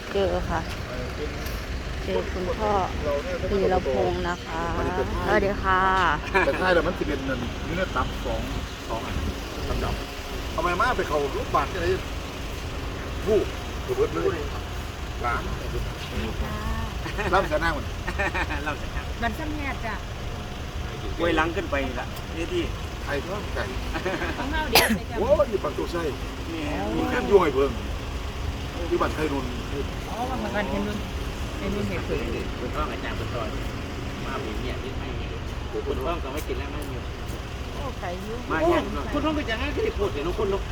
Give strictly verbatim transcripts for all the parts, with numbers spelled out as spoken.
เจอค่ะเจอคุณพ่อธีรพงษ์นะคะสวัสดีค่ะแต่ท้ายแล้วมันสิเป็นเงินนี่เนี่ยตับสองสองอันตับดำทำไมมาไปเขาลูกบาทอะไรผู้ถูกเบิดเลยหลานรับจะนั่งมันเราจะนั่งมันซ้ำแง่จ้ะไว้หลังขึ้นไปละนี่ที่ไอ้ท้องไก่ของเราเดียวไปจ้ะโอ้ยปักตัวใช่มีแค่ย่อยเบิ่งที่บัตรไทยรุนอ๋อว่าเหมือนกันเป็นรุ่นเป็นรุ่นเหตุผลคุณพ่ออาจารย์คุณตอนมาบีเนี่ยที่ไทยคุณพ่อก็ไม่กินแล้วไม่มีโอ้ไก่ยุ่งมาเนี่ยคุณพ่อไปจากนั้นก็ได้พูดเห็นน้องคุณลูก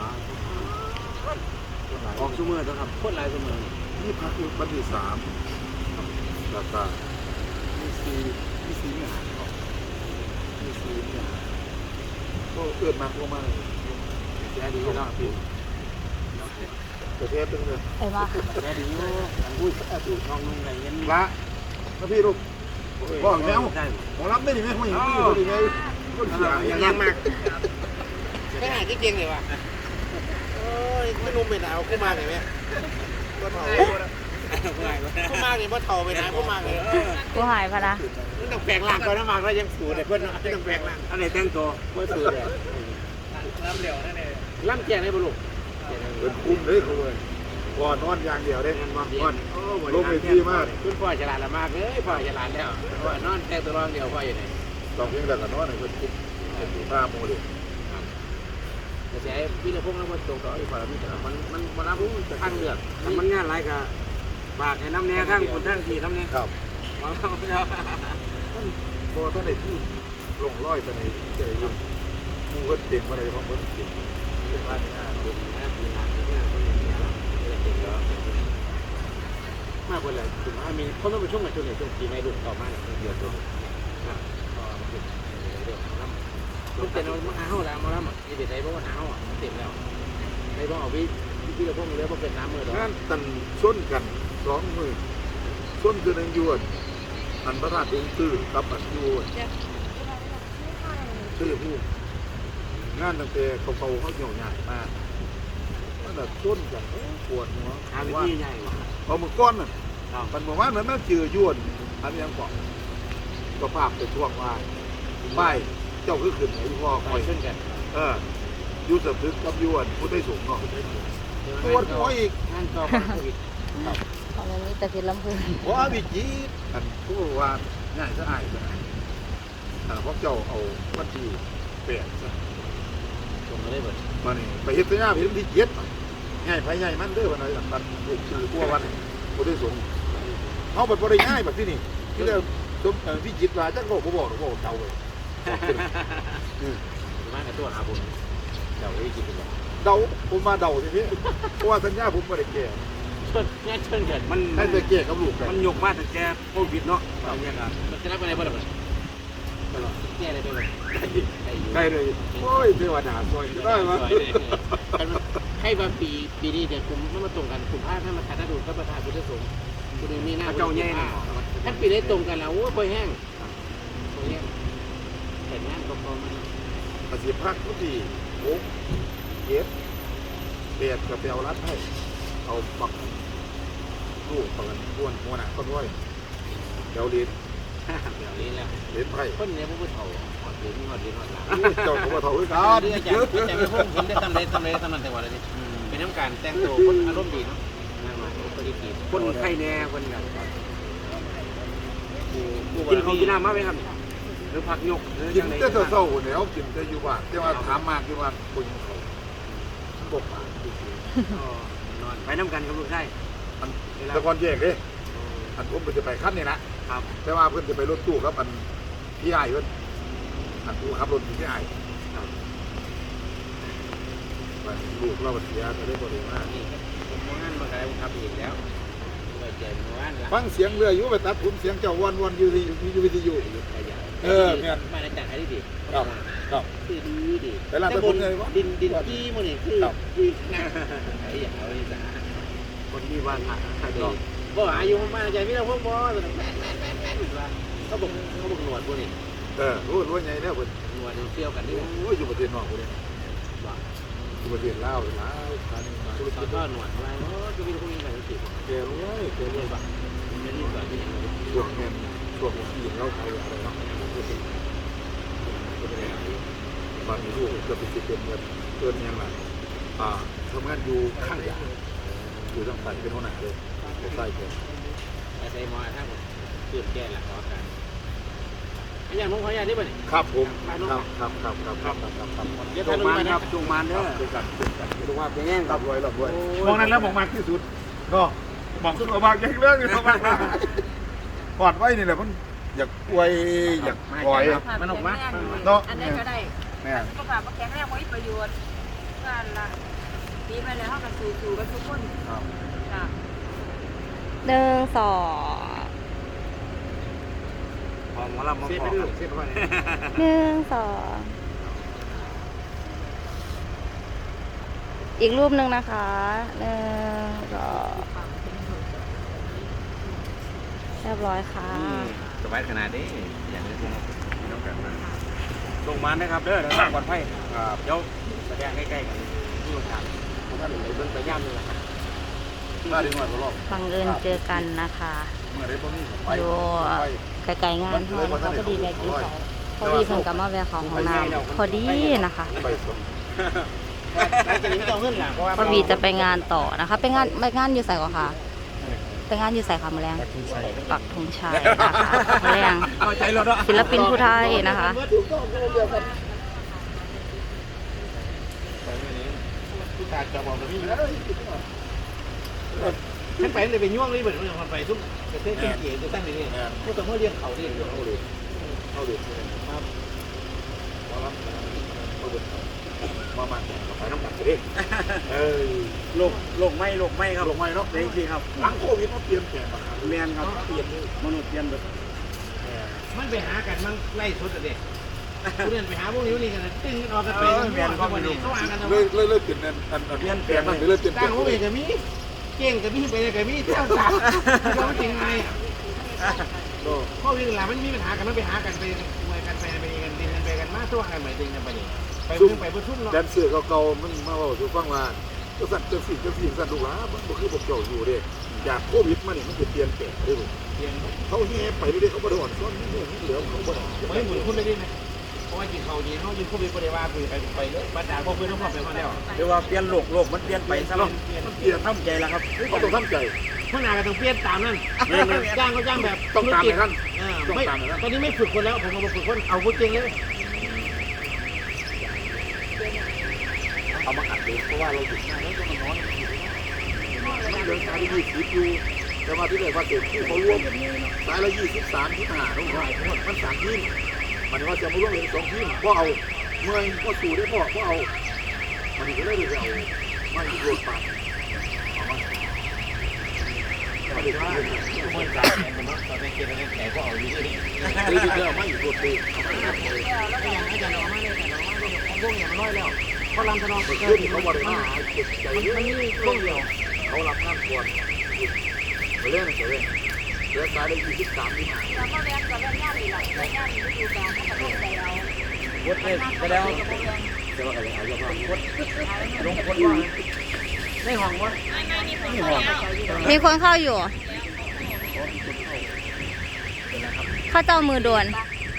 ออกซูเมอร์ตัวครับโคตรลายซูเมอร์นี่พักอยู่บัตรที่สามราคามีซีมีซีเนี่ยมีซีเนี่ยก็เอื้อนมากมากแย่ดีเนาะพี่ประเทศตึงเลยไอ้บ้าแย่ดีเนาะอุ้ยดูช่องนุ่งอะไรเงี้ยละนะพี่ลูกพ่อแมวของรับได้ดีไหมพ่ออย่างนี้ดีไหมก็เสียอย่างยังมากไม่หายจริงๆเลยว่ะโอ้ยไม่นุ่มไปหนาวขึ้นมาเลยไหมก็เท่าขึ้นมาเลยว่าเท่าไปไหนขึ้นมาเลยกูหายพะนะต้องแปลงร่างก่อนนะมากแล้วยังสูดเลยเพื่อนไม่ต้องแปลงร่างอะไรแต่งตัวเมื่อสูดเลยล่ำเหลวนั่นเองล่ำแจงได้บุรุษเป็นคุ้มเลยเขาเลยก่อนนอนอย่างเดียวได้ก่อนลงไปที่มากคุณพ่อฉลาดละมากเลยพ่อฉลาดแล้วพ่อนอนแต่ตัวรองเดียวพ่ออยู่ไหนลองเพียงแต่กับนอนในเป็นคุ้มเป็นผู้ฆ่าโมเลยแต่ใช้พี่จะพุ่งแล้วมันตรงต่ออีกฝ่ายพี่จะมันมันมันรับรู้ข้างเลือกมันง่ายไรกับปากไอ้น้ำแน่ข้างคนข้างทีน้ำแน่ครับมองเขาเนาะพอท่านในที่ลงร้อยท่านในใจยุ่งมูก็เต็มอะไรเพราะมันเต็มเป็นว่าเนี่ยเป็นนะเป็นงานที่งานคนอย่างเงี้ยเราเต็มแล้วมากกว่าเลยถึงว่ามีคนต้องไปช่วงไหนช่วงไหนช่วงปีไม่ดุต่อมาเนี่ยเดียวตัวนะก็เดี๋ยวน้ำลูกเต็มเรามาหาเรามาแล้วยี่สิบได้เพราะว่าหาอ่ะเต็มแล้วไอ้พวกเอาวิพี่เราพวกมันเลี้ยงเป็นน้ำมือเรางานตันส้นกันสองมือส้นคือหนึ่งยวดอันพระราชองค์ตื้อกับอันยวดตื้อผู้งานตั้งแต่เขาเขาเขาเหี่ยวหยาดมากมันแบบส้นกันปวดหัวหาวิธีใหญ่พอมือก้อนน่ะมันบอกว่ามันน่าจืดยวนอันยังบอกก็ภาพเป็นช่วงว่าป้ายเจ้าคือขึ้นไอ้พ่อคอยขึ้นกันเออยูสพึกกับยวนผู้ได้สูงเนาะปวดหัวอีกงานต่อไปอีกของมันมีแต่เพชรลำพูนว่าวิจิตอันผู้ว่าง่ายสะอาดขนาดแต่พวกเจ้าเอาวัตถุเปลี่ยนซะส่งมาได้หมดมานี่ไปเฮ็ดสัญญาเป็นที่เย็ดง่ายไปง่ายมันเด้อวันไหนสันถูกชื่อตัววันผู้ได้สูงเขาแบบบริง่ายแบบที่นี่ที่เราสมวิจิตราจักโลกบ่บอกหรอกว่าเจ้าเลยมากับตัวหาบุญเดาได้กินกันเดาผมมาเดาทีนี้เพราะว่าสัญญาผมไม่ได้แก่เชิญแง่เชิญเกิดมันให้ไปแก่กับลูกมันหยกมากแต่แกโควิดเนาะอย่างเงี้ยมันจะรับอะไรบ้างล่ะแก่อะไรไปเลยใกล้เลยโอ้ยเทวดาซอยได้ไหมให้บางปีปีนี้เดี๋ยวคุมไม่มาตรงกันคุมผ้าถ้ามาขาดดูก็ประทานพุทธสงฆ์คุณเองนี่หน้าเจ้าแย่ถ้าปีได้ตรงกันแล้วโอ้ยคอยแห้งคอยแห้งแต่งานก็พอมาอาชีพพักทุกทีโอ้เก็บเปียกกับเปียวรัดให้เอาปักลูกปักกันก้วนหัวหนักก็ด้วยเดี๋ยวเลี้ยเดี๋ยวนี้แล้วเลี้ยไผ่คนนี้พวกผู้เฒ่าหอดเลี้ยงหอดเลี้ยงหอดหลังเจ้าเขาว่าเฒ่าด้วยกันเดี๋ยวจะจะไม่พุ่งเห็นได้ทำได้ทำได้ทำนั้นแต่ว่าอะไรนี่เป็นน้ำการแต่งตัวคนอารมณ์ดีเนาะนั่งมาคนดีคนไข้แน่คนแบบกินของกินน้ำมากไหมครับหรือผักยกกินแต่เศร้าๆเนี่ยเขากินแต่อยู่บ้านแต่ว่าถามมากอยู่ว่าคนเขาบกปากนอนไปน้ำกันกับลูกใช่แต่ก่อนแยกเลยอันผมจะไปขั้นนี่นะครับแต่ว่าเพื่อนจะไปรถตู้ครับอันพี่ไอ้เพื่อนอันตู้ขับรถพี่ไอ้ลูกเราเสียจะได้บริมาผมมองงั้นมาไกลผมทำอีกแล้วฟังเสียงเรืออยู่ไปตัดผมเสียงเจ้าวันวันอยู่ที่อยู่วิทยุเออเนี่ยมาในจังไอ้ดีครับครับคือดีดีแต่ละคนเลยวะดินดินที่มันนี่คือคือหน้าไอ้อย่างอะไรสักคนที่ว่าหาดีบ่อายุมาใจพี่เราพวกบ่แม่แม่แม่แม่ว่าเขาบอกเขาบอกหนวดพวกนี้เออรู้รู้ไงเนี่ยคนหนวดเชี่ยวกันนี่โอ้ยอยู่ประเทศนอกคนนี้ว่าประเทศลาวหลายครั้งมาธุรตอกินจก็หนวดไว้โอ้ก็มีคนมีแบบนี้เกลเลยเกลเรีเลย ยกว่าเรียกว่าที่ช่วงแห่งช่วงที่เราไทยอะไรเนาะบางลูกเกือบสิบเป็นเงินเกินยังไงอ่าทำงานอยู่ข้างยาอยู่ตั้งแต่เป็นหัวหน้าเลยใต้เกินแต่ใส่หมอถ้าผมเปลี่ยนแก้หลักขอการอย่างน้องขออย่างนี้ป่ะนี่ครับผมครับครับครับครับครับครับครับเดี๋ยวทำมาครับจงมานเด้อด้วยกันด้วยกันดูว่าเป็นแง่งรับรวยรับรวยมองนั้นแล้วมองมาที่สุดก็บอกสุดมากอย่างเรื่องนี้มากปอดไว้นี่แหละมันอยากอวยอยากปล่อยมันออกมาเนาะอันนี้ก็ได้แม่สุขภาพแข็งแรงไว้ประโยชน์กันละปีไปแล้วเท่ากับสู่สู่กันทุกคนครับจ้ะหนึ่งสองพอหมอลำมาพอเส้นไปหนึ่งสองอีกรูปหนึ่งนะคะหนึ่งสองเรียบร้อยค่ะสบายขนาดนี้อย่างนี้ต้องการมาลงมานะครับเด้อทางก่อนไพ่ครับเดี๋ยวแสดงใกล้ๆกันที่โรงงานผมว่าหนึ่งในเบื้องไปย่ำเลยนะครับมาดีหน่อยรอบบังเอิญเจอกันนะคะเมื่อไรบ่มีไปอยู่ไกลๆงานเขานะคะพอดีแวะกินเขาพอดีเพิ่นกับมาแวะเขาห้องน้ำพอดีนะคะไปสมหลังจากนี้ไม่ต้องเงื่อนหลังเพราะว่าพอดีจะไปงานต่อนะคะไปงานไปงานอยู่ใส่ก่อนค่ะไปงานอยู่ใส่ค่ะมือแรงปักธงชัยนะคะมือแรงเอาใจเราเนาะศิลปินผู้ไทยนะคะถูกต้องเดียวกันขาดจะบอกแบบนี้ฉันไปเลยไปย่วงเลยเหมือนมันไปทุกประเทศเกี่ยวจะตั้งนี่พวกตัวเมื่อเรียนเขาเรียนเอาเลยเอาเลยครับมารับมาเบิดมามาไปน้ำหนักเลยเออโลกโลกไม่โลกไม่ครับลงไม้เนาะจริงๆครับหลังโควิดมันเปลี่ยนแปลงมาครับแมนครับเปลี่ยนเลยมนุษย์เปลี่ยนแบบมันไปหากันมันไล่สุดเด็กผู้เรียนไปหาพวกนี้นี่กันตึ้งออกกันไปแมนก็ไม่รู้เขาอ่านกันทำไมเลยเลยเลยเปลี่ยนอันอันอันเปลี่ยนแปลงมันเลยเปลี่ยนแปลตั้งงหัวเอกกับมีเก่งกับมีไปเลยกับมีเท่ากันเขาจริงไงพวกนี้หลังมันมีปัญหากันมันไปหากันไปมวยกันไปไปกันดินกันไปกันมาตัวกันหมายถึงกันไปนี่ไปเพิ่งไปเพิ่งทุ่มเนาะแดนเสือเก่าๆมันมาบอกสู่ฟังว่าก็สั่นเจ้าสิ่งเจ้าสิ่งสั่นลูกหลานมันบ่คือพวกเจ้าอยู่เด้จากโควิดมานี่มันจะเปลี่ยนแปลงเด้อเรียนเขาแห่ไปเรื่อยๆเขาบ่ได้อ่อนซ้อนนี่นี่เหลือเขาบ่ได้ไม่หมุนคุณได้ดิไหมเพราะว่ากินเขาดีเขายินคู่ไปปฏิวัติไปไปเลยมาจากพวกเพื่อนทั้งหมดไปมาแล้วเดี๋ยวว่าเปลี่ยนโลกโลกมันเปลี่ยนไปซะแล้วมันเปลี่ยนทำใจแล้วครับเขาต้องทำใจข้างหน้าก็ต้องเปลี่ยนตามนั่นจ้างก็จ้างแบบต้องตามในท่านไม่ตอนนี้ไม่ฝึกคนแล้วผมเอาฝึกคนเอาพูดจริงเลยเอามาอัดเลยเพราะว่าเราหยุดงานแล้วก็มานอนมันเดินสายยี่สิบอยู่แต่ว่าที่ไหนว่าเกิดผู้เขาร่วมสายละยี่สิบสามที่หาต้องหายทั้งหมดมันสามทีมมันว่าจะมาร่วมเป็นสองทีมเพราะเอาเมื่อยก็สู่ได้เพราะเพราะเอามันก็เลยไปเอาไม่โดนปากเอามาไม่ได้ว่าคนจ่ายเงินผมตอนนี้เก็บเงินแต่ก็เอาอยู่ที่นี่ตีดีแล้วไม่โดนตีแล้วอย่างอาจารย์ออกมาเลยอาจารย์ออกมาเลยพวกอย่างน้อยแล้วพอลำทนองมันเกิขึ้ดนเขาบริหารเก็บใจมันเยอะมันมีพวกเดียวเขารับงานก่อนไปเล่นไปเล่นเดือนสายได้ยี่สิบสามที่หาแล้วก็แรงกับแรงงานอีกหลังแรงงานอีกฤดูกาลเขาก็ต้องใจเราวดเลยไปแล้วแต่ว่าอะไรเอาเยอะมากลงคนว่าในห้องวะไม่ไม่มีคนเข้าแล้วมีคนเข้าอยู่เข้าเจ้ามือโดน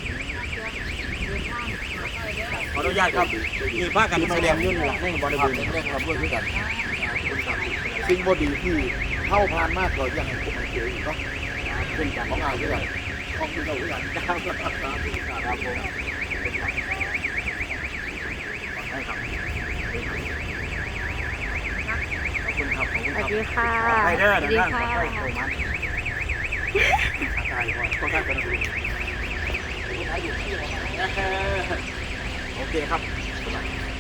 ขออนุญาตครับมีผ้ากันแสดงยุ่นหลังในบริทำเวณเรื่องทำด้วยกันสิ่งบดีที่เข้าผ่านมากก็ยังคงเจออยู่เนาะเป็นการของงานด้วยกันของคุณเราด้วยกันครับครับผมให้ครับขอบคุณครับขอบคุณสควัรัสบดีค่ะไปเด้อสวัสดีนะค่ะไปโตมันตายก่อนต้องได้กันดูโอเคครับค